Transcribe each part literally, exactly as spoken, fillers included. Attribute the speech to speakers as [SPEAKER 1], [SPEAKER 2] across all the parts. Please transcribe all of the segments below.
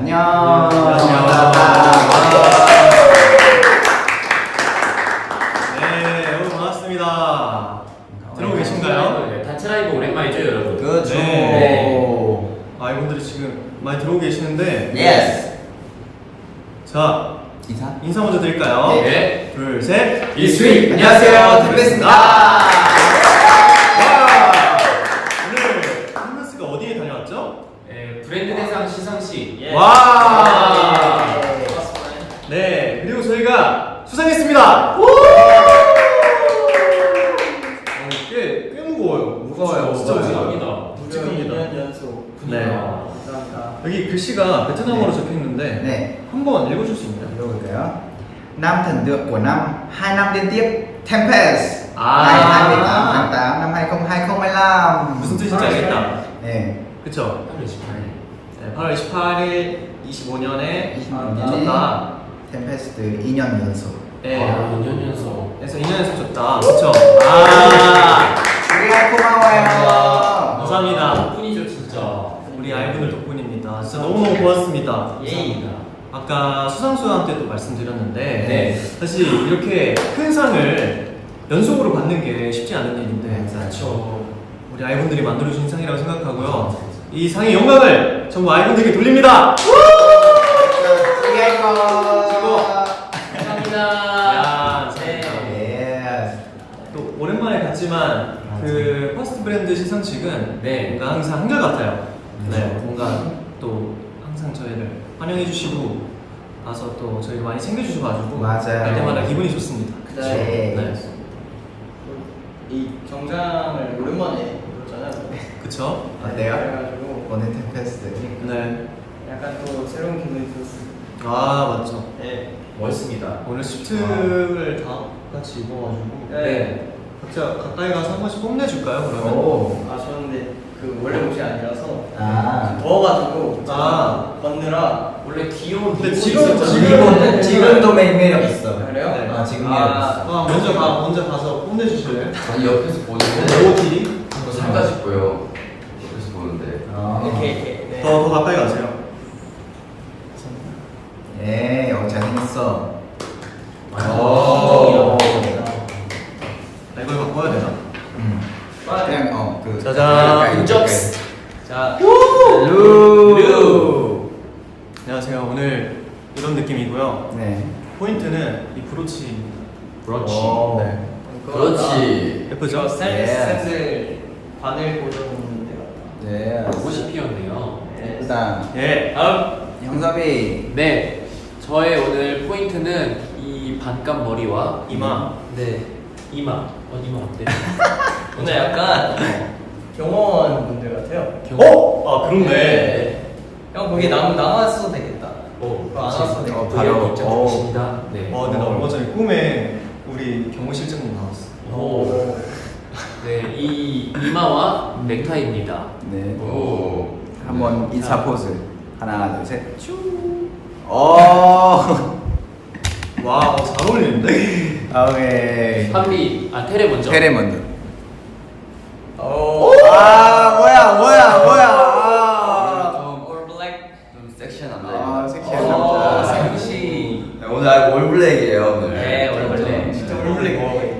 [SPEAKER 1] 안녕.
[SPEAKER 2] 안녕. 네, 여러분 반갑습니다. 들어오고 계신가요?
[SPEAKER 3] 네, 단체 라이브 오랜만이죠, 여러분?
[SPEAKER 1] 그렇죠.
[SPEAKER 2] 네. 아, 이분들이 지금 많이 들어오고 계시는데.
[SPEAKER 1] 예스.
[SPEAKER 2] 자,
[SPEAKER 1] 인사.
[SPEAKER 2] 인사 먼저 드릴까요?
[SPEAKER 3] 네.
[SPEAKER 2] 둘, 셋.
[SPEAKER 3] 이스윗!
[SPEAKER 1] 안녕하세요, 템베스입니다.
[SPEAKER 2] 오늘 템베스가 어디에 다녀왔죠?
[SPEAKER 3] 네, 브랜드 대상 시상식. 예.
[SPEAKER 2] 와.
[SPEAKER 3] 예.
[SPEAKER 2] 네, 그리고 저희가 수상했습니다. 오! 꽤, 꽤 무거워요.
[SPEAKER 1] 무거워요.
[SPEAKER 2] 진짜
[SPEAKER 3] 맞아요.
[SPEAKER 2] 무겁니다. 묵직합니다.
[SPEAKER 4] 이 년 연속.
[SPEAKER 2] 네.
[SPEAKER 4] 감사합니다.
[SPEAKER 2] 여기 글씨가 베트남어로
[SPEAKER 1] 네.
[SPEAKER 2] 적혀 있는데
[SPEAKER 1] 네.
[SPEAKER 2] 한번 읽어줄 수 있나요?
[SPEAKER 1] 읽어볼까요? Năm thần tượng của năm hai năm liên tiếp Tempest
[SPEAKER 2] 아.
[SPEAKER 1] ngày hai mươi tám tháng tám năm hai không hai không.
[SPEAKER 2] 무슨 뜻인지 알겠다.
[SPEAKER 1] 네.
[SPEAKER 2] 그쵸?
[SPEAKER 3] 팔월 이십팔일.
[SPEAKER 2] 네, 팔월 이십팔일 이십오 년에
[SPEAKER 1] 이십오 년에
[SPEAKER 2] 줬다.
[SPEAKER 1] 템페스트 이 년 연속.
[SPEAKER 2] 네.
[SPEAKER 3] 아, 이 년 연속.
[SPEAKER 2] 그래서 이 년 연속 줬다. 그쵸? 아.
[SPEAKER 1] 우리가 고마워요.
[SPEAKER 2] 감사합니다.
[SPEAKER 3] 덕분이죠, 진짜.
[SPEAKER 2] 우리 아이분들 덕분입니다. 진짜 너무너무 고맙습니다.
[SPEAKER 3] 감사합니다.
[SPEAKER 2] 아까 수상수한테도 말씀드렸는데
[SPEAKER 3] 네.
[SPEAKER 2] 사실 이렇게 큰 상을 연속으로 받는 게 쉽지 않은 일인데
[SPEAKER 3] 그렇죠.
[SPEAKER 2] 우리 아이분들이 만들어주신 상이라고 생각하고요. 이 상의 영광을 전부 아이분들께 돌립니다.
[SPEAKER 1] 우리가
[SPEAKER 3] 감사합니다.
[SPEAKER 2] 야,
[SPEAKER 3] 네.
[SPEAKER 1] 예스.
[SPEAKER 2] 또 오랜만에 갔지만 그 퍼스트 브랜드 시상식은
[SPEAKER 3] 네.
[SPEAKER 2] 뭔가 항상 한결같아요. 네,
[SPEAKER 1] 그렇죠.
[SPEAKER 2] 뭔가 또 항상 저희를 환영해주시고 가서 또 저희 많이 챙겨주셔가지고
[SPEAKER 1] 맞아요.
[SPEAKER 2] 갈 때마다 기분이 좋습니다.
[SPEAKER 1] 그쵸.
[SPEAKER 2] 네.
[SPEAKER 4] 이 정장을 오랜만에 입었잖아요.
[SPEAKER 2] 그쵸?
[SPEAKER 1] 어때요?
[SPEAKER 4] 그래가지고
[SPEAKER 1] 오늘 템페스트.
[SPEAKER 2] 네.
[SPEAKER 4] 약간 또 새로운 기분이 들었어요.
[SPEAKER 2] 아 맞죠.
[SPEAKER 4] 네.
[SPEAKER 3] 멋있습니다.
[SPEAKER 2] 오늘 수트를 다 같이 입어가지고
[SPEAKER 4] 네.
[SPEAKER 2] 각자 가까이 가서 한 번씩 뽐내줄까요 그러면?
[SPEAKER 1] 오.
[SPEAKER 4] 아 저는 근데 그 원래 옷이 아니라서
[SPEAKER 1] 아.
[SPEAKER 4] 더워가지고
[SPEAKER 2] 아.
[SPEAKER 4] 걷느라
[SPEAKER 3] 원래 귀여운
[SPEAKER 2] 근데
[SPEAKER 3] 미모
[SPEAKER 2] 지금-
[SPEAKER 3] 있었잖아요.
[SPEAKER 1] 지금 지금도 매- 매력 있어.
[SPEAKER 4] 그래요?
[SPEAKER 2] 네.
[SPEAKER 1] 아 지금
[SPEAKER 4] 아.
[SPEAKER 1] 매력 있어.
[SPEAKER 2] 아 먼저 가 먼저 가서 뽐내주실래요?
[SPEAKER 5] 아니 옆에서 보는데
[SPEAKER 2] 오티
[SPEAKER 5] 살다 싶고요. 옆에서 보는데
[SPEAKER 1] 어.
[SPEAKER 4] 이렇게 이렇게. 네.
[SPEAKER 2] 더 더 가까이 가세요.
[SPEAKER 1] 예, 어 잘생겼어.
[SPEAKER 3] 오.
[SPEAKER 1] 오.
[SPEAKER 2] 아, 이걸 바꿔야 되나?
[SPEAKER 1] 음. 그냥 어그
[SPEAKER 2] 짜잔.
[SPEAKER 3] 인접스.
[SPEAKER 4] 자.
[SPEAKER 1] 루.
[SPEAKER 2] 안녕하세요. 오늘 이런 느낌이고요.
[SPEAKER 1] 네.
[SPEAKER 2] 포인트는 이 브로치.
[SPEAKER 3] 그렇지.
[SPEAKER 1] 오.
[SPEAKER 2] 네.
[SPEAKER 5] 그렇지.
[SPEAKER 2] 예쁘죠?
[SPEAKER 4] 저 샌-
[SPEAKER 1] 예.
[SPEAKER 4] 샌들 바늘 고정인데 같다.
[SPEAKER 1] 네.
[SPEAKER 3] 옷이 피었네요.
[SPEAKER 4] 네.
[SPEAKER 1] 그다음
[SPEAKER 2] 예.
[SPEAKER 3] 다음.
[SPEAKER 1] 형섭이.
[SPEAKER 3] 네. 저의 오늘 포인트는 이 반감 머리와
[SPEAKER 2] 이마.
[SPEAKER 3] 네. 이마. 어, 이마 어때?
[SPEAKER 4] 오늘 약간 경호원 분들 같아요.
[SPEAKER 2] 어? 아 그렇네.
[SPEAKER 4] 네. 형 거기 남 나왔어도 되겠다.
[SPEAKER 3] 오,
[SPEAKER 4] 그거 안 왔어도 되겠다.
[SPEAKER 1] 어, 바로.
[SPEAKER 3] 입장하십니다. 네.
[SPEAKER 2] 와 근데 나 얼마 전에 꿈에 우리 경호 실장님 나왔어.
[SPEAKER 3] 오. 네, 이 이마와 넥타이입니다.
[SPEAKER 1] 네.
[SPEAKER 5] 오.
[SPEAKER 1] 한번 인사 포즈. 하나, 둘, 셋. 쭈. 어.
[SPEAKER 2] 와, 어, 잘 어울리는데?
[SPEAKER 1] 오케이.
[SPEAKER 3] 한비, 아 테레 먼저.
[SPEAKER 1] 테레 먼저.
[SPEAKER 4] 오.
[SPEAKER 1] 아, 뭐야, 뭐야, 뭐야. 아.
[SPEAKER 5] 좀
[SPEAKER 4] 올 블랙.
[SPEAKER 5] 좀 섹시한 남자.
[SPEAKER 1] 아, 섹시한
[SPEAKER 4] 오,
[SPEAKER 1] 남자.
[SPEAKER 4] 섹시.
[SPEAKER 5] 네, 오늘 아예 올블랙이에요 오늘.
[SPEAKER 4] 네, 올블랙.
[SPEAKER 5] 진짜
[SPEAKER 4] 올 블랙.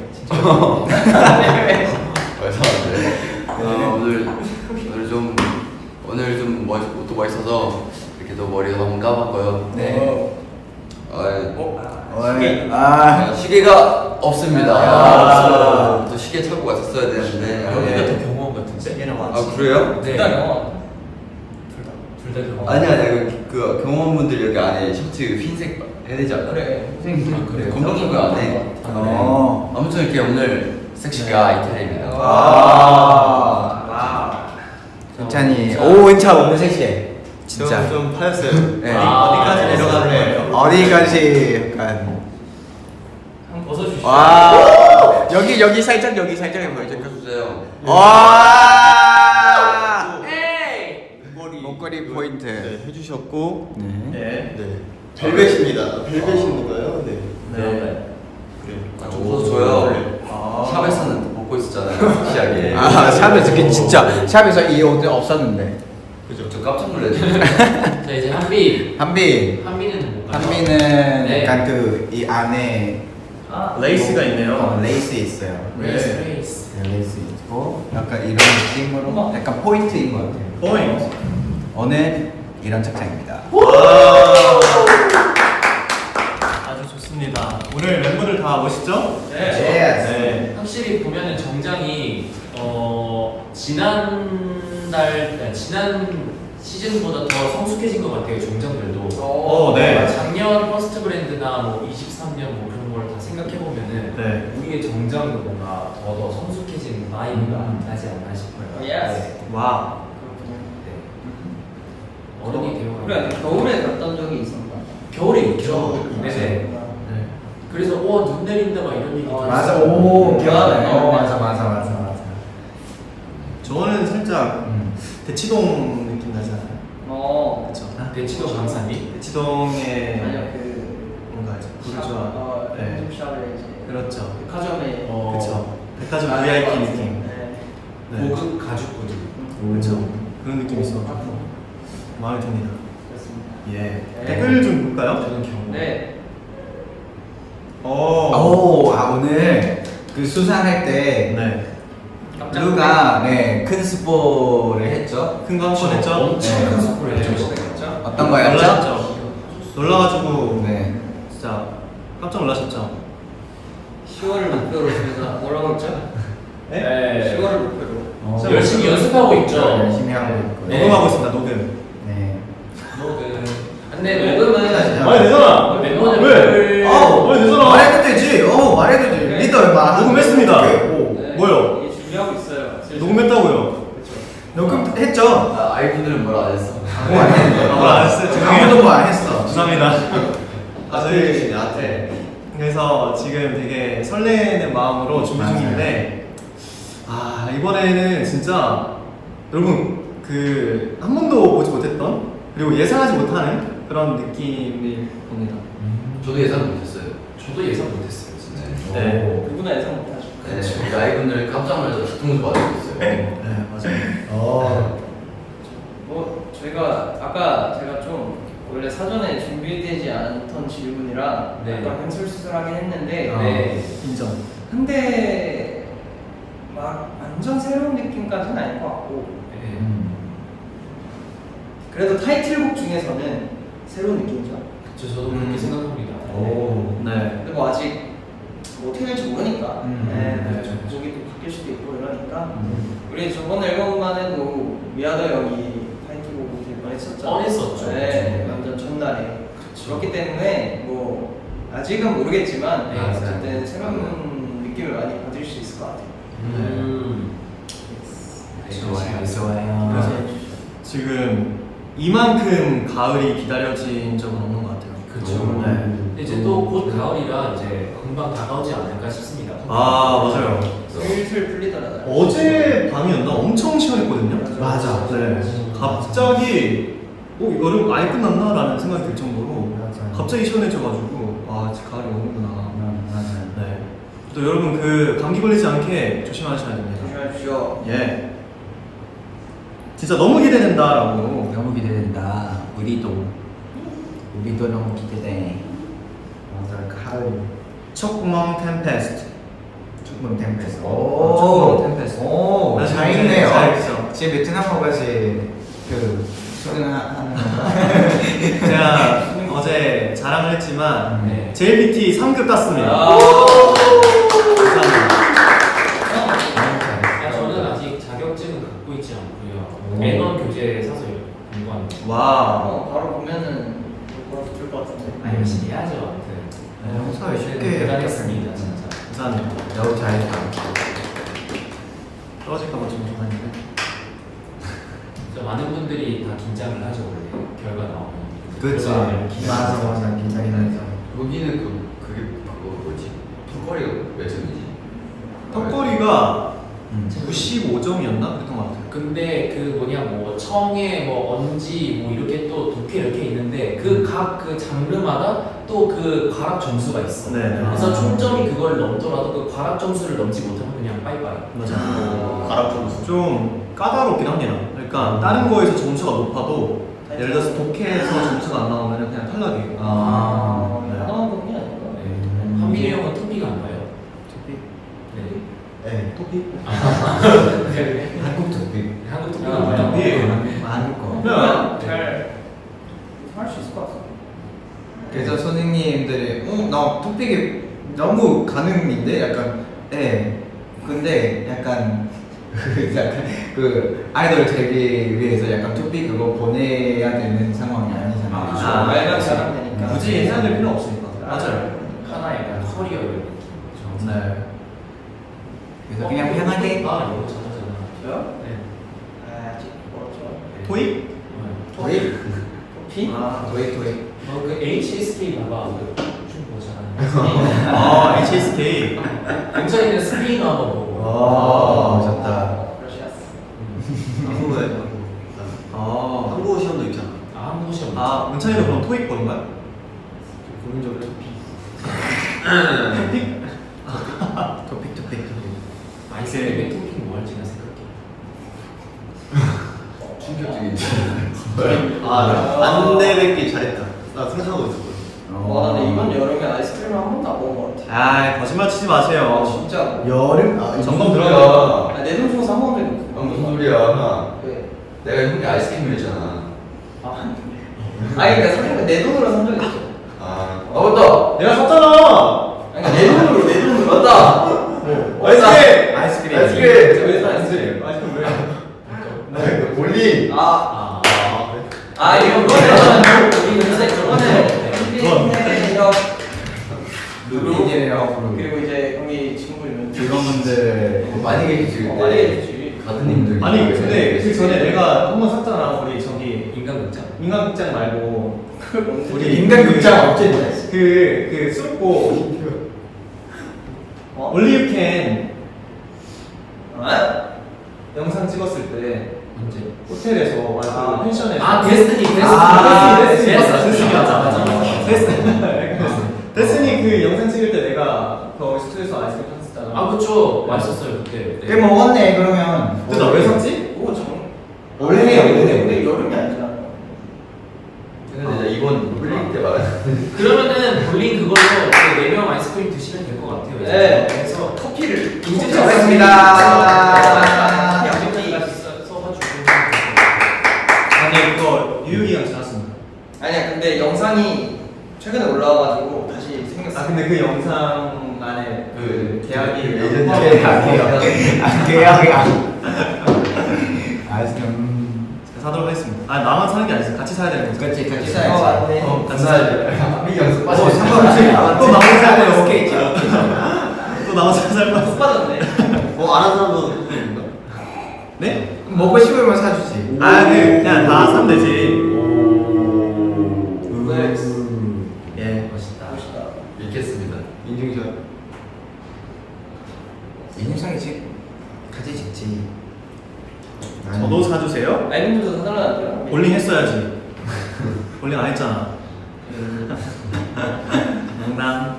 [SPEAKER 5] 죄송한데. 어, 오늘 오늘 좀 오늘 좀 멋, 옷도 멋있어서 이렇게 또 머리도 한번 감았고요.
[SPEAKER 1] 네.
[SPEAKER 5] 아,
[SPEAKER 1] 어이. 아.
[SPEAKER 5] 시계가 없습니다.
[SPEAKER 1] 아.
[SPEAKER 5] 또 시계 찾고 갔었어야 되는데.
[SPEAKER 3] 여기가
[SPEAKER 5] 네.
[SPEAKER 3] 더 경호원 같은데?
[SPEAKER 2] 얘는
[SPEAKER 5] 아
[SPEAKER 2] 왔지.
[SPEAKER 5] 그래요?
[SPEAKER 3] 네.
[SPEAKER 4] 둘다 경호원.
[SPEAKER 3] 둘다 경호원.
[SPEAKER 5] 아니 아니 그, 그 경호원분들 여기 안에 셔츠 흰색 해야 되지 않나?
[SPEAKER 4] 그래.
[SPEAKER 3] 아, 그래요?
[SPEAKER 5] 검정색 그 안에.
[SPEAKER 1] 어.
[SPEAKER 5] 아무튼 이렇게 오늘 섹시가 이태리입니다.
[SPEAKER 1] 아.
[SPEAKER 4] 와.
[SPEAKER 1] 은찬이. 오, 은찬 오늘 섹시해. 진짜.
[SPEAKER 2] 좀, 좀 파였어요.
[SPEAKER 1] 네.
[SPEAKER 3] 아,
[SPEAKER 2] 어디까지
[SPEAKER 3] 네.
[SPEAKER 2] 내려가는 거예요?
[SPEAKER 1] 어디까지 약간.
[SPEAKER 4] 한번 벗어주시죠.
[SPEAKER 1] 와. 여기 여기 살짝 여기 살짝 보여줘.
[SPEAKER 5] 보여주세요.
[SPEAKER 1] 와.
[SPEAKER 3] 에이!
[SPEAKER 2] 목걸이,
[SPEAKER 1] 목걸이 포인트.
[SPEAKER 2] 네, 해주셨고.
[SPEAKER 1] 네.
[SPEAKER 2] 네. 네.
[SPEAKER 6] 벨벳입니다. 벨벳 있는 거예요? 네.
[SPEAKER 2] 네.
[SPEAKER 6] 그래요.
[SPEAKER 5] 아, 좀 벗어줘요.
[SPEAKER 2] 아.
[SPEAKER 5] 샵에서는 벗고 있었잖아요. 섹시하게.
[SPEAKER 1] 아, 샵에서 그 진짜 샵에서 이 옷이 없었는데. 그죠?
[SPEAKER 5] 저 깜짝 놀랐어요.
[SPEAKER 3] 자 이제 한비.
[SPEAKER 1] 한비.
[SPEAKER 3] 한비는 뭔가요?
[SPEAKER 1] 한비는
[SPEAKER 3] 네.
[SPEAKER 1] 약간 그 이 안에
[SPEAKER 4] 아,
[SPEAKER 2] 레이스가 있네요.
[SPEAKER 1] 어, 레이스 있어요.
[SPEAKER 3] 레이스
[SPEAKER 2] 네.
[SPEAKER 3] 레이스.
[SPEAKER 1] 네, 레이스 있고 약간 이런 느낌으로 약간 포인트인 것 같아요.
[SPEAKER 2] 포인트.
[SPEAKER 1] 오늘 이런 착장입니다.
[SPEAKER 2] 아주 좋습니다. 오늘 멤버들 다 멋있죠?
[SPEAKER 4] 네.
[SPEAKER 2] 네.
[SPEAKER 3] 확실히 보면은 정장이 어 지난달 아니, 지난 시즌보다 더 성숙해진 것 같아요. 정장들도.
[SPEAKER 2] 어, 네.
[SPEAKER 3] 작년 퍼스트 브랜드나 뭐 이십삼 년 뭐 그런 걸 다 생각해 보면은
[SPEAKER 2] 네.
[SPEAKER 3] 우리의 정장도 뭔가 더 더 성숙해진 바이브가
[SPEAKER 2] 음.
[SPEAKER 3] 나지 않나 싶어요.
[SPEAKER 4] 어, 예스.
[SPEAKER 3] 네.
[SPEAKER 2] 와.
[SPEAKER 3] 네. 어른이 되어.
[SPEAKER 4] 우리가 겨울에 갔던 적이 있었나?
[SPEAKER 3] 겨울에 있죠.
[SPEAKER 4] 겨울에
[SPEAKER 3] 네네.
[SPEAKER 2] 네.
[SPEAKER 3] 그래서 와눈 내린다 막 이런 얘기.
[SPEAKER 4] 어,
[SPEAKER 3] 들었어요.
[SPEAKER 1] 맞아, 오 기억나네.
[SPEAKER 4] 네.
[SPEAKER 1] 어, 맞아, 맞아, 맞아, 맞아.
[SPEAKER 2] 저는 살짝
[SPEAKER 1] 음.
[SPEAKER 2] 대치동 느낌 나지 않아요?
[SPEAKER 4] 어.
[SPEAKER 2] 그렇죠.
[SPEAKER 3] 대치도 강사님.
[SPEAKER 2] 대치동에
[SPEAKER 4] 아니요 그.
[SPEAKER 2] 뭔가 이제 부르주아.
[SPEAKER 4] 어,
[SPEAKER 2] 네.
[SPEAKER 4] 샵에 이제.
[SPEAKER 2] 그렇죠.
[SPEAKER 4] 백화점에.
[SPEAKER 3] 어.
[SPEAKER 2] 그렇죠. 백화점
[SPEAKER 4] 아,
[SPEAKER 2] 브이아이피
[SPEAKER 4] 네.
[SPEAKER 2] 느낌.
[SPEAKER 4] 네.
[SPEAKER 2] 네.
[SPEAKER 3] 고급 가죽구두.
[SPEAKER 2] 그렇죠. 그런 느낌이 있어. 마음에 듭니다.
[SPEAKER 4] 그렇습니다.
[SPEAKER 2] 예.
[SPEAKER 4] 네.
[SPEAKER 2] 댓글 좀 볼까요?
[SPEAKER 3] 저는 경고.
[SPEAKER 4] 네.
[SPEAKER 2] 어.
[SPEAKER 1] 오, 아 오늘 그 수상할 때
[SPEAKER 2] 네.
[SPEAKER 4] 깜짝
[SPEAKER 1] 루가 네, 큰 스포를 했죠.
[SPEAKER 2] 큰 거 한 번 했죠?
[SPEAKER 3] 엄청
[SPEAKER 1] 네.
[SPEAKER 3] 큰 스포를 했죠.
[SPEAKER 4] 놀랐죠?
[SPEAKER 1] 어떤 거였죠?
[SPEAKER 2] 놀라셨죠? 놀라가지고
[SPEAKER 1] 네.
[SPEAKER 2] 진짜 깜짝 놀라셨죠?
[SPEAKER 4] 시월을 목표로 저희가 뭐라고 했죠?
[SPEAKER 3] 네.
[SPEAKER 4] 시월을 목표로.
[SPEAKER 1] 어.
[SPEAKER 3] 열심히 연습하고 있죠.
[SPEAKER 1] 열심히 하고 있고.
[SPEAKER 3] 네.
[SPEAKER 2] 녹음하고 있습니다. 녹음.
[SPEAKER 1] 네.
[SPEAKER 3] 녹음.
[SPEAKER 4] 근데
[SPEAKER 3] 네.
[SPEAKER 4] 녹음은
[SPEAKER 2] 많이 되잖아.
[SPEAKER 3] 멤버들
[SPEAKER 2] 왜? 어, 많이 되잖아.
[SPEAKER 1] 말해도 되지. 어, 말해도 되지.
[SPEAKER 4] 네.
[SPEAKER 1] 리더 얼마?
[SPEAKER 2] 녹음했습니다.
[SPEAKER 1] 오.
[SPEAKER 4] 네,
[SPEAKER 2] 뭐요?
[SPEAKER 4] 이게 준비하고 있어요. 슬슬.
[SPEAKER 2] 녹음했다고요.
[SPEAKER 1] 녹음했죠.
[SPEAKER 5] 아, 아이분들은 뭐라 안 했어.
[SPEAKER 1] 뭐안 했는데.
[SPEAKER 2] 아, 뭐안 했어요? 죄송해요.
[SPEAKER 1] 아무도 뭐 안 했어.
[SPEAKER 2] 죄송합니다. 아, 저희
[SPEAKER 6] 아틀.
[SPEAKER 2] 그래서 지금 되게 설레는 마음으로 준비
[SPEAKER 1] 맞아요.
[SPEAKER 2] 중인데 아 이번에는 진짜 여러분 그 한 번도 보지 못했던 그리고 예상하지 못하는 그런 느낌이 옵니다.
[SPEAKER 5] 저도 예상 못했어요.
[SPEAKER 3] 저도 예상 못했어요, 진짜.
[SPEAKER 5] 네.
[SPEAKER 2] 네.
[SPEAKER 4] 누구나 예상 못하죠.
[SPEAKER 5] 네. 우리 아이분들 깜짝 놀라서 뒤통수 맞고 있어요.
[SPEAKER 2] 네 맞아요.
[SPEAKER 1] 어.
[SPEAKER 4] 뭐 저희가 아까 제가 좀 원래 사전에 준비되지 않던 질문이라
[SPEAKER 3] 네.
[SPEAKER 4] 약간 횡설수설하긴 했는데
[SPEAKER 1] 어.
[SPEAKER 3] 네.
[SPEAKER 2] 인정.
[SPEAKER 4] 근데 막 완전 새로운 느낌까지는 아닐 것 같고
[SPEAKER 3] 네.
[SPEAKER 1] 음.
[SPEAKER 4] 그래도 타이틀곡 중에서는 새로운 느낌이죠.
[SPEAKER 3] 저 저도 그렇게
[SPEAKER 2] 음.
[SPEAKER 3] 생각합니다.
[SPEAKER 1] 오.
[SPEAKER 2] 네.
[SPEAKER 4] 근데 뭐 아직 뭐 어떻게 될지 모르니까
[SPEAKER 1] 음.
[SPEAKER 4] 네,
[SPEAKER 2] 네.
[SPEAKER 4] 곡이 또 바뀔 수도 있고 이러니까
[SPEAKER 1] 음.
[SPEAKER 4] 우리 저번 앨범만 해도 미아더 형이 타이틀곡을 될 뻔했었죠.
[SPEAKER 3] 뻔했었죠.
[SPEAKER 4] 네,
[SPEAKER 3] 그쵸.
[SPEAKER 4] 완전 첫날에.
[SPEAKER 3] 그쵸.
[SPEAKER 4] 그렇기 때문에 뭐 아직은 모르겠지만
[SPEAKER 3] 네,
[SPEAKER 4] 어쨌든 새로운 느낌을 많이 받을 수 있을 것 같아요.
[SPEAKER 3] 음. 네,
[SPEAKER 1] 좋아요,
[SPEAKER 3] 그렇습니다.
[SPEAKER 1] 좋아요.
[SPEAKER 2] 그래서 지금 이만큼 가을이 기다려진 적은 없는 것 같아요.
[SPEAKER 3] 그쵸.
[SPEAKER 2] 네.
[SPEAKER 3] 근데 이제 또 곧 가을이라 이제 금방 다가오지 않을까 싶습니다.
[SPEAKER 2] 아 맞아요.
[SPEAKER 4] 슬슬 풀리더라고요.
[SPEAKER 2] 어제 밤이었나 엄청 시원했거든요.
[SPEAKER 1] 맞아.
[SPEAKER 2] 네. 갑자기 어 여름 아예 끝났나라는 생각이 들 정도로
[SPEAKER 1] 맞아요.
[SPEAKER 2] 갑자기 시원해져가지고 아 이제 가을이 오는구나.
[SPEAKER 1] 음, 맞아요.
[SPEAKER 2] 네. 또 여러분 그 감기 걸리지 않게 조심하셔야 됩니다.
[SPEAKER 4] 조심하십시오.
[SPEAKER 2] 예. 진짜 너무 기대된다라고.
[SPEAKER 1] 너무 기대된다. 우리도. 우리도 너무 기대돼. 맞아, 가을.
[SPEAKER 2] 촉멍 템페스트.
[SPEAKER 1] 축문 템페스트.
[SPEAKER 2] 오,
[SPEAKER 1] 축문 템페스트. 오,
[SPEAKER 2] 아,
[SPEAKER 1] 잘
[SPEAKER 2] 잘
[SPEAKER 1] 읽네요.
[SPEAKER 2] 잘 읽죠.
[SPEAKER 1] 지금 베트남어 같이 그 수능하는 거.
[SPEAKER 2] 제가 어제 자랑을 했지만
[SPEAKER 3] 네.
[SPEAKER 2] 제이비티 삼 급 땄습니다.
[SPEAKER 4] 아.
[SPEAKER 2] 감사합니다.
[SPEAKER 3] 아, 저는 아직 자격증은 갖고 있지 않고요. 매번 교재 사서 공부합니다.
[SPEAKER 2] 와.
[SPEAKER 4] 어, 바로 보면은 바로 붙을 것 같은데.
[SPEAKER 3] 아, 열심히 해야죠, 아무튼.
[SPEAKER 1] 네, 평소에 쉽게
[SPEAKER 3] 대단했습니다, 진짜.
[SPEAKER 2] 감사합니다.
[SPEAKER 1] 너무 잘했다.
[SPEAKER 2] 떨어질까봐 좀 무서웠는데.
[SPEAKER 3] 진짜 많은 분들이 다 긴장을 하죠, 원래. 결과 나오면.
[SPEAKER 1] 그치.
[SPEAKER 3] 결과를 기대하면서.
[SPEAKER 1] 맞아, 맞아. 긴장이 나죠.
[SPEAKER 5] 여기는 그 그게 그거 뭐지? 턱걸이가 몇 점이지?
[SPEAKER 2] 턱걸이가
[SPEAKER 1] 음.
[SPEAKER 2] 구십오 점이었나? 그랬던 것 같아요.
[SPEAKER 3] 근데 그 뭐냐 뭐 청에 뭐 언지 뭐 이렇게 또 독해 이렇게 있는데 그 각 그 장르마다 또 그 과락 점수가 있어.
[SPEAKER 2] 네.
[SPEAKER 3] 그래서
[SPEAKER 1] 아.
[SPEAKER 3] 총점이 그걸 넘더라도 그 과락 점수를 넘지 못하면 그냥 빠이빠이.
[SPEAKER 2] 맞아.
[SPEAKER 6] 가락 점수.
[SPEAKER 2] 좀 까다롭긴 합니다. 그러니까 다른 거에서 점수가 높아도 예를 들어서 독해에서 점수가 안 나오면 그냥 탈락이에요.
[SPEAKER 1] 아.
[SPEAKER 2] 네.
[SPEAKER 4] 하나만 보는 게 아니고.
[SPEAKER 3] 네. 한민이 형은 토픽 안 봐요?
[SPEAKER 2] 토픽?
[SPEAKER 3] 네.
[SPEAKER 2] 네, 토픽?
[SPEAKER 1] 한국 토픽.
[SPEAKER 3] 한국 토픽
[SPEAKER 4] 아,
[SPEAKER 3] 안 봐요?
[SPEAKER 2] 토픽.
[SPEAKER 1] 한국 거.
[SPEAKER 2] 그냥
[SPEAKER 4] 잘할 수 있을 것 같아.
[SPEAKER 1] 그래서 선생님들이 어, 나 토픽이 너무 가능인데 약간 예. 근데 약간 그 약간 그 아이돌 되기 위해서 약간 토픽 그거 보내야 되는 상황이 아니잖아요.
[SPEAKER 3] 아, 그렇죠.
[SPEAKER 2] 아,
[SPEAKER 4] 말만 잘하면 되니까.
[SPEAKER 2] 굳이 해야 될 필요 없으니까. 맞아요.
[SPEAKER 3] 하나 약간 커리어 이런 느낌.
[SPEAKER 2] 네.
[SPEAKER 1] 그래서 그냥 편하게
[SPEAKER 3] 아, 이거 잘하잖아.
[SPEAKER 4] 저요?
[SPEAKER 3] 네.
[SPEAKER 4] 아, 아직 멀었죠.
[SPEAKER 2] 토익?
[SPEAKER 1] 토익
[SPEAKER 4] 피?
[SPEAKER 2] 아,
[SPEAKER 1] 토익 토익.
[SPEAKER 3] 어, 그 에이치에스케이 봐봐. 그춤 보잖아.
[SPEAKER 2] 아, 에이치에스케이.
[SPEAKER 3] 굉장히 스페인어 한번 보고.
[SPEAKER 1] 아 좋다.
[SPEAKER 4] 러시아스.
[SPEAKER 6] 한국에
[SPEAKER 2] 아,
[SPEAKER 6] 한국어 시험도 있잖아.
[SPEAKER 3] 아, 한국 시험.
[SPEAKER 2] 아, 문찬이도 그럼 토익 보는가요?
[SPEAKER 6] 국민적으로 토픽.
[SPEAKER 2] 토픽?
[SPEAKER 1] 토픽 토픽 토픽.
[SPEAKER 3] 아이스크림에 토핑 뭐 할지 나 생각해.
[SPEAKER 5] 충격적이지.
[SPEAKER 6] 아, 안 내뱉기 잘했다. 나 생각하고 있었거든.
[SPEAKER 4] 와, 나는 이번 여름에 아이스크림을 한 번도 안 먹은 것 같아.
[SPEAKER 2] 아, 거짓말 치지 마세요.
[SPEAKER 4] 아, 진짜.
[SPEAKER 1] 여름 아
[SPEAKER 2] 점검 들어가.
[SPEAKER 4] 아, 내돈 중에서 한 번도
[SPEAKER 5] 형
[SPEAKER 4] 못
[SPEAKER 5] 무슨
[SPEAKER 4] 먹은
[SPEAKER 5] 소리야?
[SPEAKER 4] 왜?
[SPEAKER 5] 내가 형이 아이스크림 했잖아.
[SPEAKER 4] 아, 아니, 그러니까 사실 내 돈으로 산 적이 있어.
[SPEAKER 5] 아, 아 맞다.
[SPEAKER 2] 내가 샀잖아.
[SPEAKER 4] 아니, 그러니까 내 돈으로, 내 돈으로.
[SPEAKER 5] 맞다.
[SPEAKER 2] 아이스크림.
[SPEAKER 1] 아이스크림.
[SPEAKER 5] 아이스크림.
[SPEAKER 4] 왜 샀지?
[SPEAKER 2] 아이스크림 왜?
[SPEAKER 5] 나 볼링.
[SPEAKER 4] 아,
[SPEAKER 3] 아,
[SPEAKER 4] 아, 이거 그거는 우리 요새 저번에
[SPEAKER 2] 그건.
[SPEAKER 4] 필리핀이랑
[SPEAKER 1] 루비디에요.
[SPEAKER 4] 그리고 이제 형이 친구 있는
[SPEAKER 1] 직원분들
[SPEAKER 5] 많이 계시지.
[SPEAKER 4] 어, 많이 계시지.
[SPEAKER 5] 가드님들.
[SPEAKER 2] 아니, 근데 그 전에 내가 한 번 샀잖아. 우리 저기
[SPEAKER 3] 인간극장.
[SPEAKER 2] 인간극장 말고
[SPEAKER 4] 우리
[SPEAKER 2] 우리
[SPEAKER 1] 인간극장 없지?
[SPEAKER 2] 그, 그 수록곡
[SPEAKER 4] 어?
[SPEAKER 2] 올리브캔
[SPEAKER 4] 어?
[SPEAKER 2] 영상 찍었을 때
[SPEAKER 3] 언제?
[SPEAKER 2] 호텔에서 아,
[SPEAKER 4] 아.
[SPEAKER 2] 그 펜션에서
[SPEAKER 3] 아, 데스티니, 데스티니.
[SPEAKER 1] 아,
[SPEAKER 2] 데스티니,
[SPEAKER 3] 맞아,
[SPEAKER 2] 데스티니.
[SPEAKER 3] 맞아, 맞아, 맞아.
[SPEAKER 2] 데스티니 데스티니 그 영상 찍을 때 내가 그 스튜디오에서 아이스크림 샀었잖아.
[SPEAKER 3] 아, 그쵸. 맛있었어요, 그때.
[SPEAKER 1] 꽤 먹었네 그러면.
[SPEAKER 2] 근데 나 왜 샀지?
[SPEAKER 4] 그거 정
[SPEAKER 1] 원래
[SPEAKER 4] 원래
[SPEAKER 1] 원래
[SPEAKER 4] 원래 여름이 아니잖아.
[SPEAKER 5] 근데 나 이번 볼링 때 말했는데.
[SPEAKER 3] 그러면은 볼링 그걸로 네 명 아이스크림 드시면 될 것 같아요. 이제.
[SPEAKER 4] 네.
[SPEAKER 3] 그래서
[SPEAKER 4] 커피를
[SPEAKER 3] 인증
[SPEAKER 1] 잘했습니다.
[SPEAKER 3] 양념이 써가지고.
[SPEAKER 2] 아니 이거 유효기간 지났습니다.
[SPEAKER 4] 아니야, 근데 영상이 최근에 올라와가지고 다시 생겼어.
[SPEAKER 2] 아 근데 그 영상 안에 그 계약이
[SPEAKER 5] 그 에이전트
[SPEAKER 1] 계약이요. 아, 계약이야. 아이스크림.
[SPEAKER 2] 제가 사도록 하겠습니다. 아 나만 사는 게 아니지 같이 사야 되는 거죠.
[SPEAKER 1] 그렇지 같이
[SPEAKER 4] 어,
[SPEAKER 1] 사야지.
[SPEAKER 4] 맞네.
[SPEAKER 2] 어, 같이 사야 돼.
[SPEAKER 5] 한민이 연습
[SPEAKER 1] 어
[SPEAKER 5] 빠져.
[SPEAKER 1] 상관없지.
[SPEAKER 2] 또 나만 사야 돼요.
[SPEAKER 1] 오케이.
[SPEAKER 2] 또 나만 살 뻔.
[SPEAKER 4] 못 받았네.
[SPEAKER 6] 뭐 아는 사람도 있는가?
[SPEAKER 2] 네?
[SPEAKER 1] 먹고 싶으면 사주지.
[SPEAKER 2] 아 그, 그냥 다 사면 되지.
[SPEAKER 4] 네.
[SPEAKER 2] 예.
[SPEAKER 3] 멋있다.
[SPEAKER 4] 멋있다.
[SPEAKER 5] 읽겠습니다.
[SPEAKER 6] 인증샷.
[SPEAKER 1] 인상이지. 같이 찍지.
[SPEAKER 2] 저도 사주세요.
[SPEAKER 4] 아이분들도 사달라는데요.
[SPEAKER 2] 볼링 했어야지. 볼링 안 했잖아. 농담.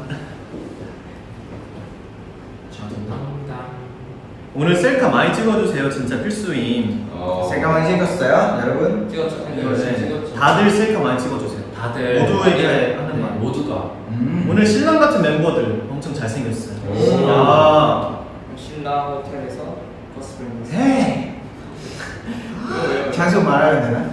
[SPEAKER 3] 저도 농담.
[SPEAKER 2] 오늘 셀카 많이 찍어주세요. 진짜 필수임.
[SPEAKER 5] 어.
[SPEAKER 1] 생각 많이 찍었어요, 여러분?
[SPEAKER 4] 찍었죠.
[SPEAKER 3] 네,
[SPEAKER 2] 네.
[SPEAKER 3] 찍었죠.
[SPEAKER 2] 다들 셀카 많이 찍어주세요.
[SPEAKER 3] 다들
[SPEAKER 2] 모두에게 하는 말.
[SPEAKER 3] 모두가.
[SPEAKER 1] 음.
[SPEAKER 2] 오늘 신랑 같은 멤버들 엄청 잘생겼어요.
[SPEAKER 1] 오.
[SPEAKER 2] 아.
[SPEAKER 4] 신라 호텔에서 버스 브링.
[SPEAKER 1] 에이. 장소 말하면 되나?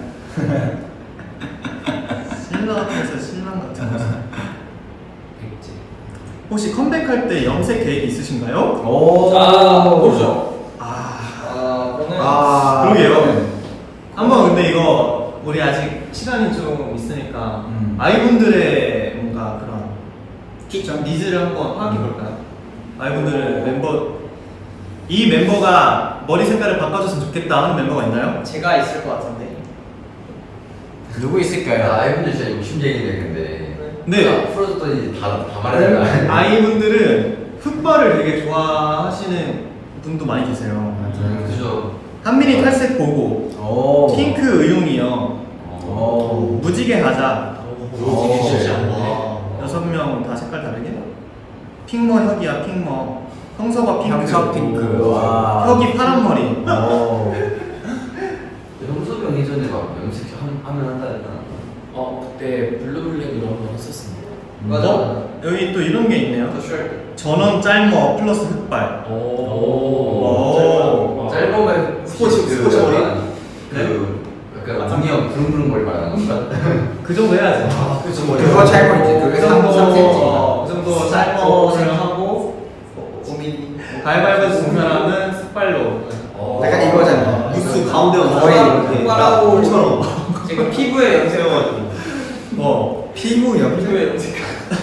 [SPEAKER 2] 신랑 같아서 신랑 같은 모습.
[SPEAKER 3] 백지.
[SPEAKER 2] 혹시 컴백할 때 염색 계획 있으신가요?
[SPEAKER 1] 오.
[SPEAKER 4] 아, 모르죠.
[SPEAKER 2] 아.
[SPEAKER 4] 아, 저는
[SPEAKER 1] 아.
[SPEAKER 2] 그러게요. 한번 근데 이거 우리 아직 시간이 좀 있으니까
[SPEAKER 1] 음.
[SPEAKER 2] 아이분들의 뭔가 그런 추천 니즈를 한번 파악해 볼까요? 아이분들 멤버 이 멤버가 머리 색깔을 바꿔줬으면 좋겠다 하는 멤버가 있나요?
[SPEAKER 4] 제가 있을 것 같은데.
[SPEAKER 1] 누구
[SPEAKER 5] 야,
[SPEAKER 1] 있을까요?
[SPEAKER 5] 아이분들 진짜 욕심쟁이네 근데.
[SPEAKER 2] 네.
[SPEAKER 5] 풀어줬더니 다, 다 말해준다.
[SPEAKER 2] 아이분들은 흑발을 되게 좋아하시는 분도 많이 계세요.
[SPEAKER 5] 음, 그죠.
[SPEAKER 2] 한민이 탈색 보고
[SPEAKER 1] 오.
[SPEAKER 2] 핑크 의용이요.
[SPEAKER 1] 오.
[SPEAKER 2] 무지개 하자.
[SPEAKER 3] 오, 쉽지 않네.
[SPEAKER 6] 와.
[SPEAKER 2] 여섯 명 다 색깔 다르게. 핑머 혁이야 핑머. 형서가 핑크.
[SPEAKER 1] 형서 핑크. 와.
[SPEAKER 2] 혁이 파란 머리.
[SPEAKER 1] 오.
[SPEAKER 4] 맞아.
[SPEAKER 2] 어? 여기 또 이런 게 있네요.
[SPEAKER 4] 더 셜.
[SPEAKER 2] 전원 짤머 플러스 흑발.
[SPEAKER 3] 오.
[SPEAKER 2] 오.
[SPEAKER 5] 짧으면
[SPEAKER 6] 스포츠-
[SPEAKER 5] 그
[SPEAKER 6] 스포츠 머리?
[SPEAKER 5] 약간 그 약간 웅이형 부릉부릉 머리 말하는 건가?
[SPEAKER 2] 그 정도 해야지.
[SPEAKER 6] 그치
[SPEAKER 1] 그거 잘 보이지. 그게
[SPEAKER 2] 그
[SPEAKER 1] 삼
[SPEAKER 2] 정도,
[SPEAKER 1] 센티미터.
[SPEAKER 2] 어, 그 정도 짤머를 하고
[SPEAKER 1] 오밀리.
[SPEAKER 2] 가위바위보 진 사람은 흑발로.
[SPEAKER 3] 어.
[SPEAKER 1] 약간 이거잖아.
[SPEAKER 6] 무스 가운데 얹어서
[SPEAKER 1] 거의
[SPEAKER 6] 이렇게
[SPEAKER 4] 흑발하고
[SPEAKER 6] 처럼
[SPEAKER 4] 지금 피부에 염색해가지고.
[SPEAKER 2] 어.
[SPEAKER 1] 피부 염색.
[SPEAKER 4] 피부에 염색.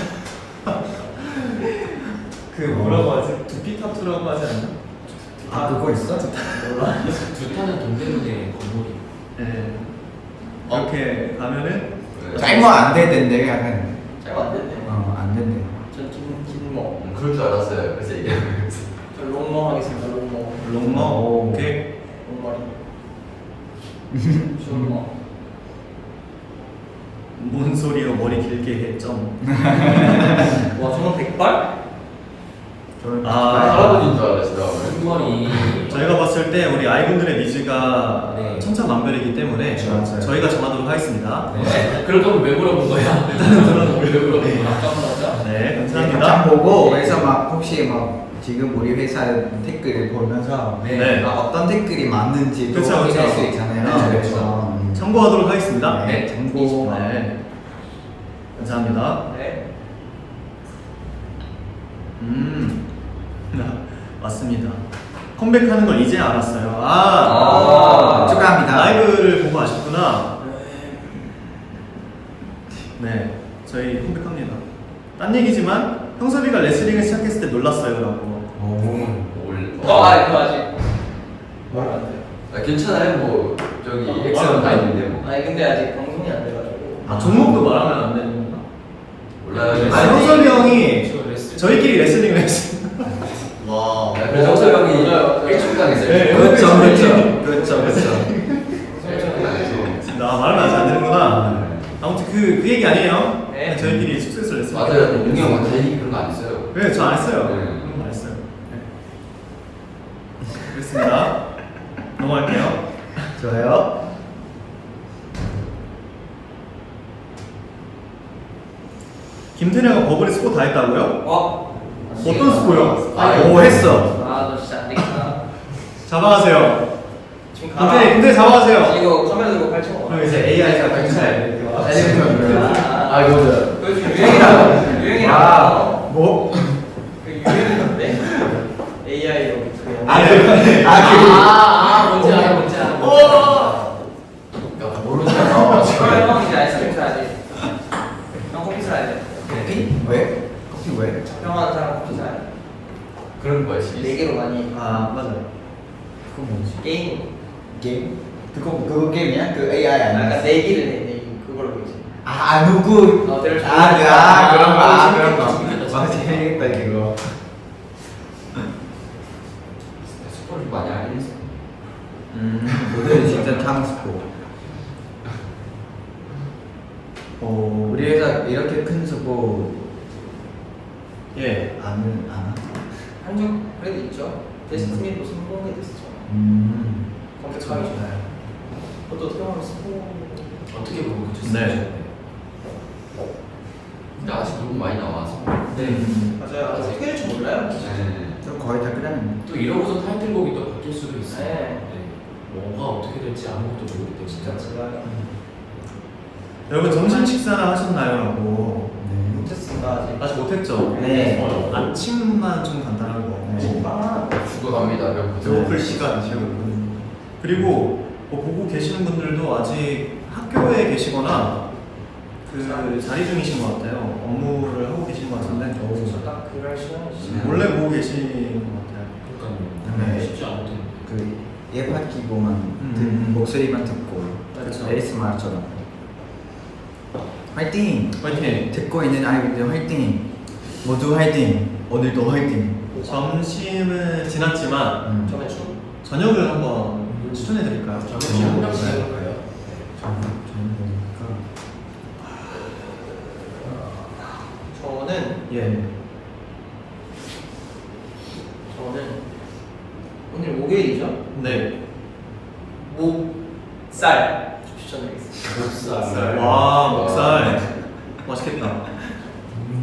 [SPEAKER 2] 그 뭐라고 하지? 두피 타투라고 하지 않나?
[SPEAKER 1] 아 그거 있어?
[SPEAKER 3] 두타는 동대문의 건물이.
[SPEAKER 2] 네. 이렇게 가면은
[SPEAKER 1] 짧으면 안 된대 약간.
[SPEAKER 4] 잘안 됐네.
[SPEAKER 1] 어안 된대.
[SPEAKER 4] 전긴 긴머.
[SPEAKER 5] 음, 그럴 줄 알았어요. 그래서 얘기하면서
[SPEAKER 4] 저 롱머 하겠습니다. 롱머.
[SPEAKER 2] 롱머.
[SPEAKER 1] 오.
[SPEAKER 2] 오케이.
[SPEAKER 4] 롱머리. 숏머.
[SPEAKER 2] 뭔 소리요? 머리 길게 해. 점.
[SPEAKER 4] 와 저는 백발?
[SPEAKER 1] 저는
[SPEAKER 2] 아.
[SPEAKER 5] 할아버지인 줄 알았어요.
[SPEAKER 3] 흰머리.
[SPEAKER 2] 저희가 봤을 때 우리 아이분들의 니즈가
[SPEAKER 3] 네.
[SPEAKER 2] 천차만별이기 때문에
[SPEAKER 1] 맞아요.
[SPEAKER 2] 저희가 정하도록 하겠습니다.
[SPEAKER 3] 네. 그럴 거면 왜 물어본 거야? 일단은 들어는 왜 물어본 거야?
[SPEAKER 4] 깜깜하자.
[SPEAKER 2] 네,
[SPEAKER 1] 장
[SPEAKER 2] 감사합니다.
[SPEAKER 1] 보고 그래서 막 혹시 막 지금 우리 회사 댓글을 보면서
[SPEAKER 2] 네.
[SPEAKER 1] 아, 어떤 댓글이 맞는지도
[SPEAKER 2] 그쵸,
[SPEAKER 1] 확인할
[SPEAKER 2] 그쵸.
[SPEAKER 1] 수 있잖아요.
[SPEAKER 2] 네,
[SPEAKER 1] 그래서 음.
[SPEAKER 2] 참고하도록 하겠습니다.
[SPEAKER 1] 네, 참고.
[SPEAKER 2] 네. 감사합니다.
[SPEAKER 4] 네.
[SPEAKER 2] 음. 맞습니다. 컴백하는 걸 이제 알았어요. 아,
[SPEAKER 4] 아,
[SPEAKER 1] 축하합니다.
[SPEAKER 2] 라이브를 보고 아셨구나. 네, 저희 컴백합니다. 딴 얘기지만 형섭이가 레슬링을 시작했을 때 놀랐어요라고.
[SPEAKER 5] 올.
[SPEAKER 4] 어, 아, 그거 아직 말안 돼요.
[SPEAKER 5] 아, 괜찮아요. 뭐 저기 엑셀은 다 있는데 뭐.
[SPEAKER 4] 아니 근데 아직 방송이 안 돼가지고.
[SPEAKER 2] 아, 종목도 말하면 안 되는 건가?
[SPEAKER 5] 몰라요.
[SPEAKER 2] 아, 형섭이 형이
[SPEAKER 3] 저 레슬-
[SPEAKER 2] 저희끼리 레슬링을 했어요.
[SPEAKER 6] 와
[SPEAKER 5] 야, 그래서 정섭 형이
[SPEAKER 4] 맞아요.
[SPEAKER 5] 일주일 당했어요.
[SPEAKER 2] 네.
[SPEAKER 1] 그렇죠, 그렇죠, 그렇죠, 그렇죠.
[SPEAKER 5] 일주일 당해서.
[SPEAKER 2] 나 말하면 아직 안 되는구나. 아무튼 그, 그 얘기 아니에요.
[SPEAKER 4] 네.
[SPEAKER 2] 저희끼리 숙소에서 레슬링.
[SPEAKER 5] 맞아요. 웅이 형은 다행히 그런 거 안 했어요.
[SPEAKER 2] 네, 저 안 했어요.
[SPEAKER 5] 네.
[SPEAKER 2] 그런 거 안 했어요. 네. 그렇습니다. 넘어갈게요.
[SPEAKER 1] 좋아요.
[SPEAKER 2] 김태녀가 버블에 스포 다 했다고요?
[SPEAKER 4] 어?
[SPEAKER 2] 어떤 스포요?
[SPEAKER 5] 아,
[SPEAKER 1] 오 했어.
[SPEAKER 4] 아, 너 진짜 안 되겠다.
[SPEAKER 2] 잡아가세요.
[SPEAKER 4] 지금
[SPEAKER 2] 김태녀, 김태녀 잡아가세요.
[SPEAKER 4] 이거 카메라 들고 팔 쳐.
[SPEAKER 2] 그럼 이제 에이아이가 경찰 이렇게 와.
[SPEAKER 5] 아, 이거 저.
[SPEAKER 4] 요즘 유행이라고. 유행이라고.
[SPEAKER 1] 아, 뭐?
[SPEAKER 4] 그 유행인데. 에이아이로 그
[SPEAKER 1] 아,
[SPEAKER 4] 영상.
[SPEAKER 1] 그, 아,
[SPEAKER 3] 아, 아, 뭔지 알아, 뭔지 알아.
[SPEAKER 5] 야, 모르는 사람 나와가지고.
[SPEAKER 4] 그럼 형 이제 아이스크림 사야지. 형 커피 사야 돼.
[SPEAKER 1] 커피? 왜? 커피 왜?
[SPEAKER 4] 형하는 사람 커피 사야 돼.
[SPEAKER 5] 그런 거야, 시
[SPEAKER 4] 네 개로 많이.
[SPEAKER 2] 아, 맞아요.
[SPEAKER 1] 그거 뭐지?
[SPEAKER 4] 게임.
[SPEAKER 1] 게임? 그거 그거 게임이야? 그 에이아이 아니야?
[SPEAKER 4] 약간 내기를 해. 내기. 그걸로 이제.
[SPEAKER 1] 아, 아 누구?
[SPEAKER 4] 어, 내가
[SPEAKER 1] 아, 그, 아, 그런 거, 아, 그런 거.
[SPEAKER 3] 재밌겠다,
[SPEAKER 1] 아,
[SPEAKER 3] 재밌겠다.
[SPEAKER 1] 재밌겠다 이거.
[SPEAKER 5] 스포를 많이 알긴 했어.
[SPEAKER 1] 음, 오늘 진짜 탐스포.
[SPEAKER 2] 오,
[SPEAKER 1] 우리 회사 이렇게 큰 스포
[SPEAKER 2] 예.
[SPEAKER 1] 안 아나?
[SPEAKER 4] 한적 그래도 있죠. 데스티니도 성공이 됐었죠.
[SPEAKER 1] 음.
[SPEAKER 4] 검색하기 좋아요. 그것도 어떻게 보면 스포.
[SPEAKER 3] 어떻게 보면 그쵸?
[SPEAKER 2] 네.
[SPEAKER 5] 근데 아직 너무 많이 나와서.
[SPEAKER 3] 네.
[SPEAKER 4] 맞아요. 아직 어떻게 될지 몰라요.
[SPEAKER 5] 네.
[SPEAKER 1] 저 거의 다 끝났는데.
[SPEAKER 3] 또 이러고서 타이틀곡이 또 바뀔 수도 있어요.
[SPEAKER 4] 네.
[SPEAKER 3] 뭐가 어떻게 될지 아무것도 모르기 때문에.
[SPEAKER 4] 진짜 몰라요.
[SPEAKER 2] 여러분 점심 식사나 하셨나요? 라고.
[SPEAKER 1] 네.
[SPEAKER 4] 못했습니다 아직.
[SPEAKER 2] 아직 못했죠?
[SPEAKER 1] 네.
[SPEAKER 2] 어, 아침만 좀 간단한 거.
[SPEAKER 1] 네.
[SPEAKER 4] 아,
[SPEAKER 5] 죽어갑니다. 배고프죠.
[SPEAKER 6] 배고플 시간 지금
[SPEAKER 2] 그리고 뭐 보고 계시는 분들도 아직 학교에 계시거나 그 자리 중이신 것 같아요. 업무를 하고 계신 것 같은데
[SPEAKER 4] 딱 그럴 시간이지.
[SPEAKER 5] 네.
[SPEAKER 2] 원래 보고 계신 것 같아요.
[SPEAKER 3] 그러니까요.
[SPEAKER 1] 네.
[SPEAKER 3] 쉽지 않거든.
[SPEAKER 1] 그 예팟 끼고만
[SPEAKER 2] 음.
[SPEAKER 1] 듣, 목소리만 듣고
[SPEAKER 2] 그렇죠.
[SPEAKER 1] 에이에스엠알처럼 화이팅!
[SPEAKER 2] 화이팅!
[SPEAKER 1] 듣고 있는 아이들 화이팅! 모두 화이팅! 오늘도 화이팅!
[SPEAKER 2] 점심은 지났지만
[SPEAKER 1] 음.
[SPEAKER 4] 저번에 춤.
[SPEAKER 2] 저녁을 한번 추천해 드릴까요?
[SPEAKER 3] 잠시 한 명씩 해볼까요?
[SPEAKER 1] 저는 저는 보니까
[SPEAKER 4] 저는
[SPEAKER 2] 예.
[SPEAKER 4] 저는 오늘 목요일이죠.
[SPEAKER 2] 네.
[SPEAKER 4] 목살 추천드리겠습니다.
[SPEAKER 3] 목살.
[SPEAKER 2] 와 목살 맛있겠다.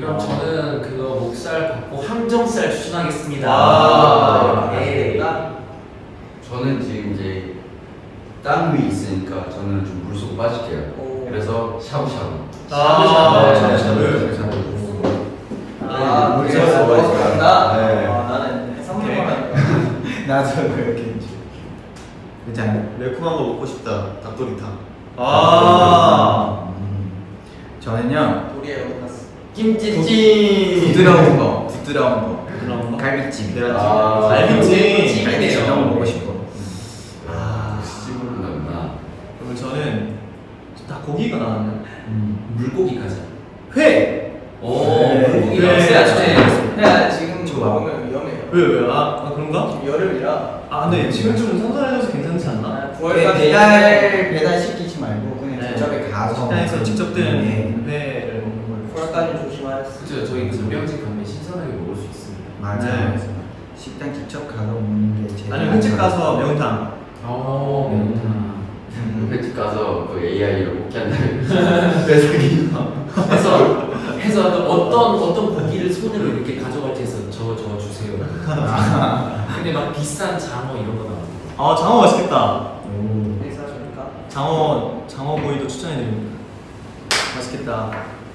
[SPEAKER 3] 그럼 저는 그거 목살 받고 항정살 추천하겠습니다.
[SPEAKER 2] 아.
[SPEAKER 3] 네.
[SPEAKER 5] 저는 지금 이제 땅 위에 있으니까 저는 좀 물속 빠질게요.
[SPEAKER 4] 오.
[SPEAKER 5] 그래서 샤브샤브.
[SPEAKER 2] 아,
[SPEAKER 5] 네,
[SPEAKER 2] 샤브샤브.
[SPEAKER 5] 샤브샤브.
[SPEAKER 4] 아,
[SPEAKER 1] 우리
[SPEAKER 4] 그래서
[SPEAKER 1] 먹어서
[SPEAKER 4] 먹어서 간다?
[SPEAKER 6] 네.
[SPEAKER 4] 아, 나는 해산물만 하니까.
[SPEAKER 1] 나도 그렇게 했지. 그렇지 않나?
[SPEAKER 6] 매콤한 거 먹고 싶다. 닭도리탕.
[SPEAKER 2] 아.
[SPEAKER 1] 음. 저는요
[SPEAKER 4] 우리의 오타스.
[SPEAKER 1] 김치찜 부드러운 거 부드러운 거
[SPEAKER 2] 부드러운 거?
[SPEAKER 1] 갈비찜
[SPEAKER 2] 내가
[SPEAKER 5] 아,
[SPEAKER 2] 갈비찜.
[SPEAKER 1] 갈비찜 너무 먹고 싶어.
[SPEAKER 2] 아.
[SPEAKER 5] 찜으로 나구나.
[SPEAKER 2] 그러면 저는 다 고기가 나왔나요?
[SPEAKER 3] 물고기까지.
[SPEAKER 2] 회.
[SPEAKER 3] 오,
[SPEAKER 2] 네.
[SPEAKER 3] 물고기
[SPEAKER 2] 네.
[SPEAKER 3] 나왔어요.
[SPEAKER 4] 야, 지금
[SPEAKER 1] 좋아.
[SPEAKER 4] 먹으면 위험해요.
[SPEAKER 2] 왜 왜? 아, 아 그런가?
[SPEAKER 4] 지금 여름이라.
[SPEAKER 2] 아 근데 지금 좀 선선해져서 괜찮지 않나?
[SPEAKER 4] 아,
[SPEAKER 1] 배-
[SPEAKER 4] 구월까지
[SPEAKER 1] 배달 배달 시키지 말고 그냥
[SPEAKER 2] 네.
[SPEAKER 1] 직접에 가서
[SPEAKER 2] 식당에서 직접 든
[SPEAKER 1] 네.
[SPEAKER 2] 회를 먹는 걸로.
[SPEAKER 4] 구월까지 조심하세요.
[SPEAKER 3] 그죠? 저희 전병집 가면 신선하게 먹을 수 있습니다.
[SPEAKER 1] 맞아
[SPEAKER 2] 네.
[SPEAKER 1] 맞아. 식당 직접 가서 먹는 게 제일
[SPEAKER 2] 아니면 횟집 가서 매운탕.
[SPEAKER 3] 어, 매운탕.
[SPEAKER 5] 횟집 가서 그 에이아이로 뽑기 한다면
[SPEAKER 3] 해서 해서 또 어떤 어떤 고기를 손으로 이렇게 가져갈지 해서 저 저 주세요. 근데 막 비싼 장어 이런 거 나와요.
[SPEAKER 2] 아 장어 맛있겠다.
[SPEAKER 4] 네, 사주니까.
[SPEAKER 2] 장어 장어 구이도 추천해드립니다. 맛있겠다.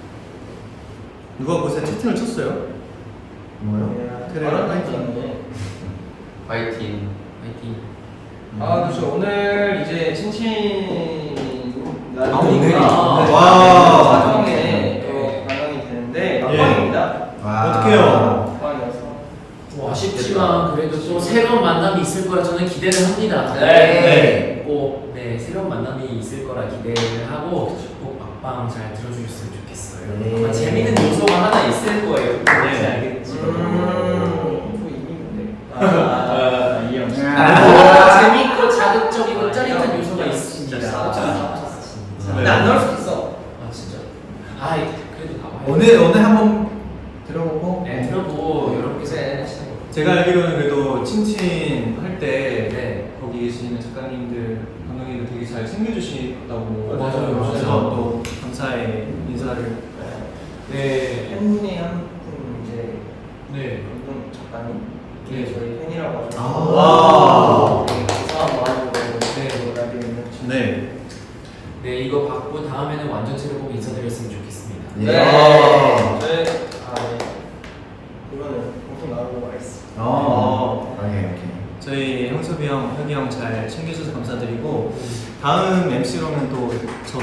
[SPEAKER 2] 누가 곳에 채팅을 쳤어요?
[SPEAKER 1] 뭐요?
[SPEAKER 2] 그래.
[SPEAKER 4] 바람 있는데.
[SPEAKER 5] 파이팅.
[SPEAKER 3] 화이팅.
[SPEAKER 4] 아, 그렇죠. 오늘 이제 친친
[SPEAKER 1] 아, 오늘이구나.
[SPEAKER 2] 와.
[SPEAKER 4] 사정에 또 반영이 되는데 막방입니다.
[SPEAKER 1] 와.
[SPEAKER 2] 어떡해요?
[SPEAKER 4] 막방이어서.
[SPEAKER 3] 뭐 아쉽지만 그래도 또 새로운 만남이 있을 거라 저는 기대를 합니다.
[SPEAKER 2] 네.
[SPEAKER 3] 꼭 네, 새로운 만남이 있을 거라 기대를 하고 꼭 막방 잘 들어주셨으면 좋겠어요.
[SPEAKER 1] 네.
[SPEAKER 3] 아마 재밌는 요소가 하나 있을 거예요. 뭔지
[SPEAKER 2] 네.
[SPEAKER 3] 알겠지?
[SPEAKER 4] 음, 또 이기는데. 아, 이 형.
[SPEAKER 3] 아, 재밌고 자극적이고 짜릿한 요소가 있습니다.
[SPEAKER 4] 진짜.
[SPEAKER 2] 네.
[SPEAKER 4] 난 넣을 수 있어.
[SPEAKER 3] 아 진짜. 아 그래도 나와요.
[SPEAKER 1] 오늘 오늘 한번 들어보고
[SPEAKER 3] 네 들어보고 여러분께서 하시는 거.
[SPEAKER 2] 제가 알기로는 그래도 친친 할 때
[SPEAKER 3] 네.
[SPEAKER 2] 거기 계시는 작가님들, 감독님들 되게 잘 챙겨주신다고
[SPEAKER 3] 맞아요, 맞아요.
[SPEAKER 2] 그래서 또 감사의 인사를
[SPEAKER 3] 네.
[SPEAKER 4] 팬분이 한 분 이제
[SPEAKER 3] 네.
[SPEAKER 4] 감독 작가님.
[SPEAKER 3] 네.
[SPEAKER 4] 저희 팬이라고 하셔서.
[SPEAKER 1] 아.
[SPEAKER 2] 와.
[SPEAKER 4] 되게 감사한 마음으로
[SPEAKER 3] 네.
[SPEAKER 4] 라디오 있는
[SPEAKER 2] 네.
[SPEAKER 3] 네 이거 받고 다음에는 완전체로 꼭 인사드렸으면 좋겠습니다.
[SPEAKER 1] 예.
[SPEAKER 2] 아.
[SPEAKER 4] 저희 아 네. 이거는 방송 나오고 와있어.
[SPEAKER 1] 어. 오케이 오케이.
[SPEAKER 2] 저희 형섭이 형, 혁이 형 잘 챙겨주셔서 감사드리고 다음 엠씨로는 또 저도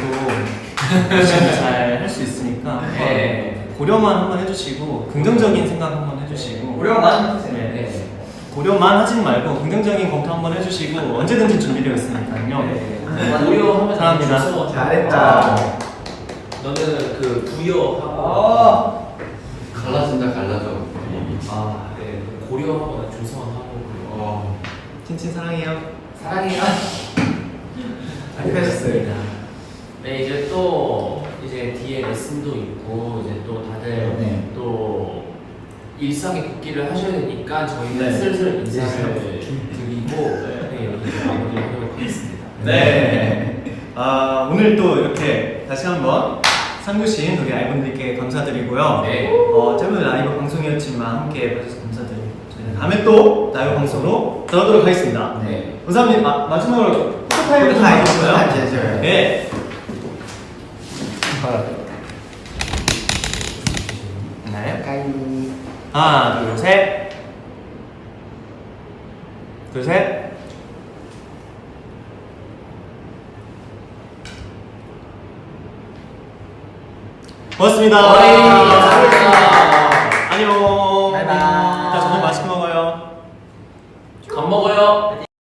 [SPEAKER 2] 잘 할 수 있으니까 한번
[SPEAKER 3] 네.
[SPEAKER 2] 고려만 한번 해주시고 긍정적인 생각 한번 해주시고
[SPEAKER 4] 고려만 해주세요.
[SPEAKER 3] 네.
[SPEAKER 2] 고려만 하진 말고 긍정적인 검토 한번 해주시고 언제든지 준비되어 있으니까요.
[SPEAKER 3] 네. 고려하면
[SPEAKER 2] 사랑합니다.
[SPEAKER 3] 줘서
[SPEAKER 1] 잘했다.
[SPEAKER 3] 너는 그 부여하고
[SPEAKER 4] 아.
[SPEAKER 5] 갈라진다 갈라져.
[SPEAKER 3] 아, 네. 고려하거나 조성하고
[SPEAKER 5] 어.
[SPEAKER 2] 친친 사랑해요.
[SPEAKER 3] 사랑해요.
[SPEAKER 1] 알겠습니다.
[SPEAKER 3] 네 이제 또 이제 뒤에 레슨도 있고 이제 또 다들
[SPEAKER 1] 네.
[SPEAKER 3] 또 일상에 복귀를 하셔야 되니까 저희는
[SPEAKER 2] 네.
[SPEAKER 3] 슬슬 인사를 드리고 네, 여기서 마무리하도록 하겠습니다.
[SPEAKER 2] 네. 아 오늘 또 이렇게 다시 한번 상주신 우리 아이분들께 감사드리고요.
[SPEAKER 3] 네.
[SPEAKER 2] 어, 짧은 라이브 방송이었지만 함께 봐주셔서 감사드리고 저희는 다음에 또 라이브 방송으로 돌아오도록 하겠습니다.
[SPEAKER 3] 네.
[SPEAKER 2] 감사합니다. 마, 마지막으로 포토타임 좀
[SPEAKER 1] 포토타임,
[SPEAKER 2] 해주시고요.
[SPEAKER 1] 포토타임 해줘요.
[SPEAKER 2] 네.
[SPEAKER 1] 나요? 까이.
[SPEAKER 2] 하나, 둘, 셋. 둘, 셋. 고맙습니다.
[SPEAKER 3] 어이.